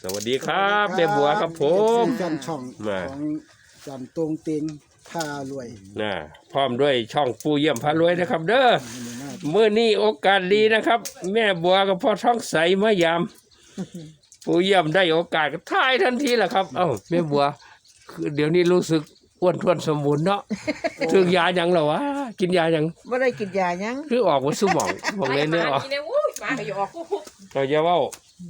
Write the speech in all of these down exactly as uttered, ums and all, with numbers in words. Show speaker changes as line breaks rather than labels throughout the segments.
สวัสดีครับแม่บัวครับผม
แฟนช่องของจันตรงเต็งพารวย
นะพร้อมด้วยช่องปูเยี่ยมพารวยนะครับเด้อเมื่อนี้โอกาสดีนะครับ แม่บัวกับพ่อท้องใสมายามปูเยี่ยมได้โอกาสก็ถ่ายทันทีแหละครับเอ้าแม่บัวคือเดี๋ยวนี้รู้สึกอ้วนท้วนสมบูรณ์เนาะถึงยายังเหรอวะกินยายัง
ไม่ได้กินยายัง
คือออกมาสมองบอกเลยเนี่ยออกเราจะว่า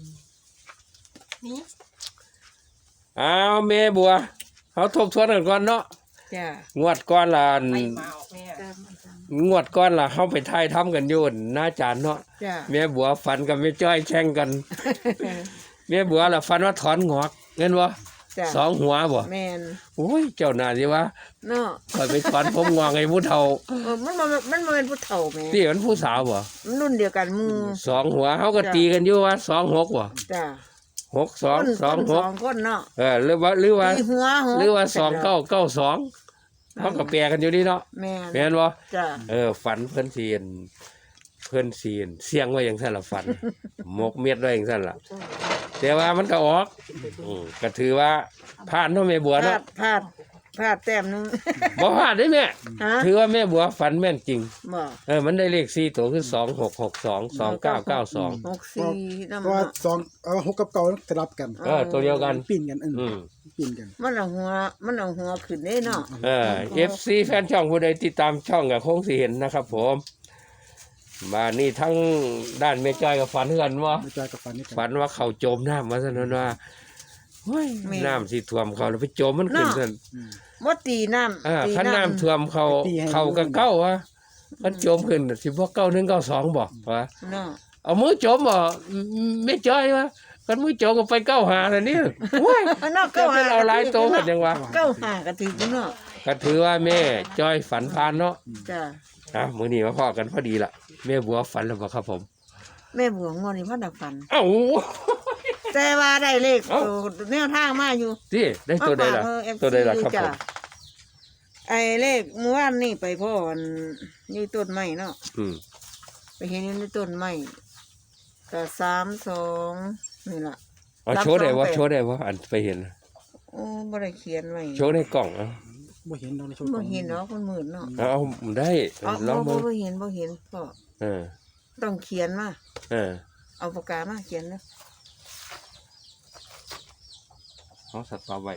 อ้าวแม่บัวเขาทบทวนกันก่อนเนาะงวดก้อนละงวดก้อนละเข้าไปทายทำกันอยู่หน้าจานเนาะแม่บัวฟันกับแม่จ้อยแข่งกันแม่บัวละฟันว่าถอนงอกเงินวะสองหัวบ่แม่นโอ้ยเจ้าหน้าสิวะเนาะคอยไปถอนผมงอกไอ้ผู้เฒ่า
เออมันมันมันเป็นผู้เฒ่าแม่
ที่มันผู้สาวบ่
มันรุ่นเดียวกันมือ
สองหัวเขาก็ตีกันอยู่ว่าสองหกบ่
จ้ะ
หกสองสองหก
สองคนเนาะ
เออหรือว่าหรือว่าหรือว่าสองเก้าเก้าสองเขาก็แปลกันอยู่นี่เนาะแม่นแม่นบ่จ้ะเออฝันเพิ่นเสียนเพิ่นเสียนเสียงไว้อย่างซั่นล่ะฝันหมกเม็ดไว้อย่างซั่นล่ะแต่ว่ามันก็ออกอือก็ถือว่าผ่านเนาะแม่บัวเนาะ
พลาดพลาดแต้มนึง
บ่พลาดเด้แม่ถือว่าแม่บัวฝันแม่นจริงบ่เออมันได้เลขสี่ตัวคือสองหกหกสอง สองเก้าเก้าสอง
หกสี่นำ
เพราะว่าสองเอ่อหกกับเก้าสลับกัน
เออตัวเดียวกัน
ปิ้นกันอือปิ้นกัน
มันเอาหัวมันเอาหัวขึ้นได้เนาะ
เออ เอฟ ซี แฟนช่องผู้ใดติดตามช่องก็คงสิเห็นนะครับผมมานี่ทั้งด้านแม่จ้อยกับฝันกันว่า
แม่จ้อยกับฝันนี่
ฝันว่าเขาโจมน้ำมาซะนั่นว่าเฮ้ยน้ำสิท่วมเขาแล้วไปโจมมันขึ้นซั่น
บ่ตีน้ำ
อ่าคันน้ำท่วมเขาเขาก็เก้าวะมันโจมขึ้นสิบ่เก้าหนึ่งเก้าสองบ่วะเอามือโจมบ่แม่จ้อยวะกันมือโจมก็ไปเก้าหาแต่นี่โอ้ยเก้าหาเอาหลายโตกันจังวะ
เก้าหาก็ถือเนาะ
ก็ถือว่าแม่จ้อยฝันพานเนาะ
จ้ะ
อ่ะมื้อนี้มาพ้อกันพอดีล่ะแม่บัวฝันแล้วบ่ครับผม
แม่บัวงอนนี่พ่อดักฝัน
เอ้า
แต่ว่าได้เลขตัวแนวทางมาอยู่
ที่ได้ตัวใดล่ะตัวใดล่ะครับผม
ไอ้เลขเมื่อวานนี่ไปพ่ออยู่ต้นไม้เนาะไปเห็นอยู่ในต้นไม้ก็สามสองนี่ล่ะ
อ๋อโชว์ได้บ่โชว์ได้บ่อันไปเห็น
โอ้บ่ได้เขียนไว้
โชว์ในกล่องอ่ะ
บ่เห็นเนาะในโชว์
บ่เห็นเนาะคนมืดเนาะ
เอาได้
ลองบ่บ่เห็นบ่เห็นพ่อ
เออ
ต้องเขียนมา
เออ
เอาปากกามาเขียนเนาะ
เอาสัตว์ปลาไว้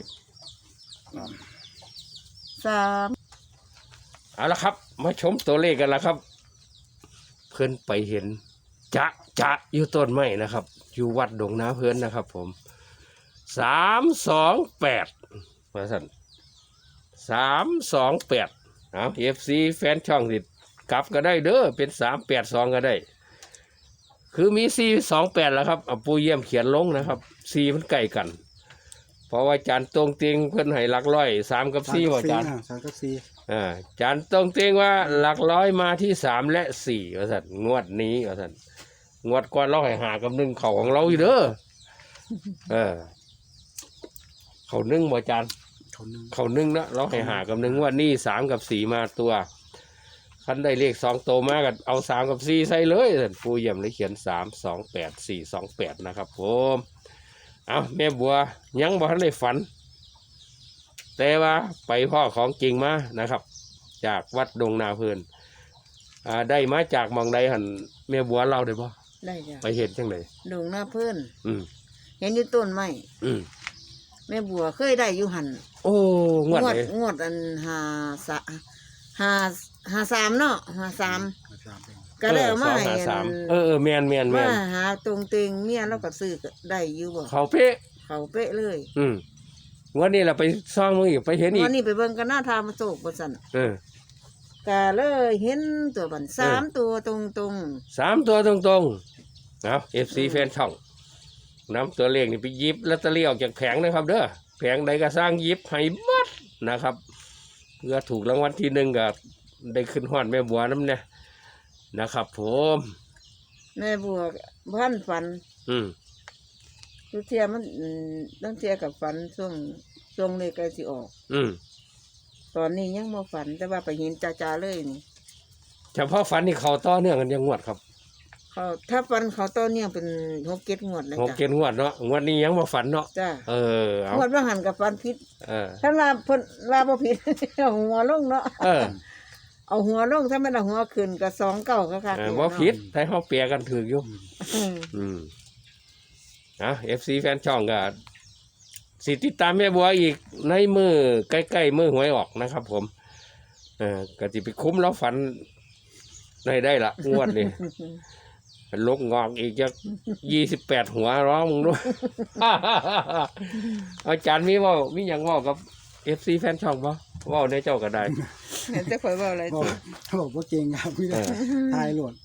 สาม
เอาละครับมาชมตัวเลขกันละครับเพื่อนไปเห็นจะจะอยู่ต้นไม้นะครับอยู่วัดดงนาเพื่อนนะครับผมสามสองแปดมาสั่นสามสองแปดเอาเอฟซีแฟนช่องติดกลับก็ได้เด้อเป็นสามแปดสองก็ได้คือมีสี่สองแปดแล้วครับเอาปูเยี่ยมเขียนลงนะครับสี่มันใกล้กันเพราะว่าจานตรงเตียงเพื่อนให้หลักร้อยสามกับสี่ว่าจาน
สามกับสี่
อ่าจานตรงเตียงว่าหลักร้อยมาที่สามและสี่ว่าสัตว์งวดนี้ว่าสัตว์งวดก่อนเราให้หากับหนึ่งเข่าของเราอยู่เด้อเออเข่าหนึ่งบ่จาน
เข่าหนึ่ง
เข่าหนึ่งนะเราให้หากับหนึ่งงวดนี้สามกับสี่มาตัวคันได้เลขสองโตมากันเอาสามกับสี่ใส่เลยสัตว์ปูเยี่ยมเลยเขียนสามสองแปดสี่สองแปดนะครับผมเอาแม่บัวยังบ่ทันได้ฝันแต่ว่าไปพ่อของจริงมานะครับจากวัดดงนาเพลินอ่าได้มาจากมองใดหันแม่บัวเล่าได้ป่ะ
ได้จ้ะ
ไปเห็นจังได
ดงนาเพลิน
อืม
เห็นอยู่ต้นไม้
อืม
แม่บัวเคยได้อยู่หัน
โอ้งวดเลย
งวดอันหาสะหาหาสามเนาะหาสามก็ได้มาให้
เออเออแมนแมนแมน
มาหาตรงเต็งเมียเราก็ซื้อได้อยู่บ่
เขาเป๊ะ
เขาเป๊ะเลย
อืมวันนี้เราไปซ่องมึงอีกไปเห็นอีก
วันนี้ไปเบิ่งกันหน้าทามาโศกบ่สั่น
เออ
ก็เลยเห็นตัวบันสามตัวตรงตรง
สามตัวตรงตรงเอาเอฟซีแฟนช่องนำตัวเลขนี่ไปยิบลอตเตอรี่ออกจากแผงนะครับเด้อแผงใดก็สร้างยิบให้บัดนะครับเพื่อถูกรางวัลที่หนึ่งก็ได้ขึ้นฮอดแม่บัวน้ำเนี่ยนะครับผม
แม่บัวพันฝัน
อืม
ทุกเทียมันต้องเทียกับฝันช่วงช่วงเลยใกล้สิออก
อืม
ตอนนี้ยังมาฝันแต่ว่าไปเห็นจ่าๆเลยนี่
เฉพาะฝันนี่เขาต่อเนื่องกันยังงวดครับ
เขาถ้าฟันเขาต้นเนี่ยเป็นหกเจ็ดงวดเลย
หก
จ้ะ
เกณฑ์งวดเนาะงวดนี้ยังบ่ฝันเนาะ
จ้ะ
เออเอา
งวดว่าหันกับฟันพิษ
เออ
ถ้าลาเพิ่นลาบ่ผิด เอาหัวลงเนาะ
เออ
เอาหัวลงถ้ามันเอาหัวขึ้นก็สองเก้าค่ะค่ะ
เออบ่ผิดแต่เฮาเปียกันถูกอยู่
อืม
อืมอ่ะ เอฟ ซี แฟนช่องก็สิติดตามแม่บัวอีกในมือใกล้ๆมือหวยออกนะครับ ผม เออก็สิไปคุ้มแล้วฝันได้ได้ละงวดนี้ลกงอกอีกจะยี่สิบแปดหัวร้องมึงด้วย อาจารย์มีเว่ามีอย่างเว่ากับเอฟซีแฟนช่องปะเว่าในเจ้าก็ได้
เห็นแต่ข่อยเว้าอะไร
บอก
จ้ะ
บอกบ่เก่งครับพี่
เออ
ทายหลวด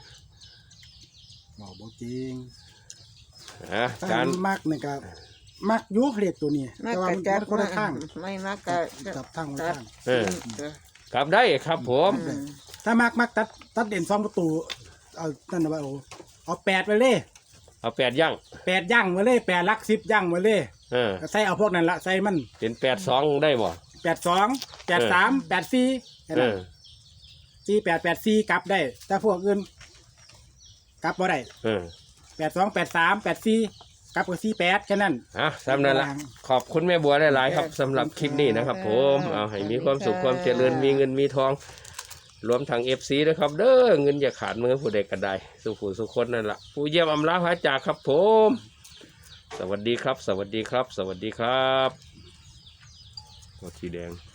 บอกบ่เก่ง
อ่ะอา
ถ้า
จารย์
มักนี่ก็มักอยุเลขตัวนี้
มาก
แต่ว่า
กั
มัน
จัด
คนละข้าง
ไม่มากกะ
จับทางคนละข้าง
เออ กลับได้ครับผม
อืม
ถ้ามักมักตัดตัดเด่นสองประตูเอานั่นนะว่าโอ้เอาแปดไปเลย
เอาแปดย่าง
แปดย่างมาเลยแปดลักสิบย่างมาเลย
เออ
ใส่เอาพวกนั้นละใส่มัน
เป็นแปดสองได้บ่
แปดสองแปดสามแปดสี่
เออ
สี่แปดแปดสี่กลับได้แต่พวกอื่นกลับบ่ได้
เออ
แปดสองแปดสามแปดสี่กลับกับสี่แปดแค่นั้น
อ่ะสำนั้นละขอบคุณแม่บัวหลายๆครับสำหรับคลิปนี้นะครับ ผมเอาให้มีความสุขความเจริญมีเงินมีทอง รวมทั้งเอฟซีนะครับ เด้อเงินอย่าขาดมือผู้ใดก็ได้สุขผู้สุขคนนั่นแหละผู้เยี่ยมอำลาพระจากครับ ผม สวัสดีครับ สวัสดีครับ สวัสดีครับโอเคแดง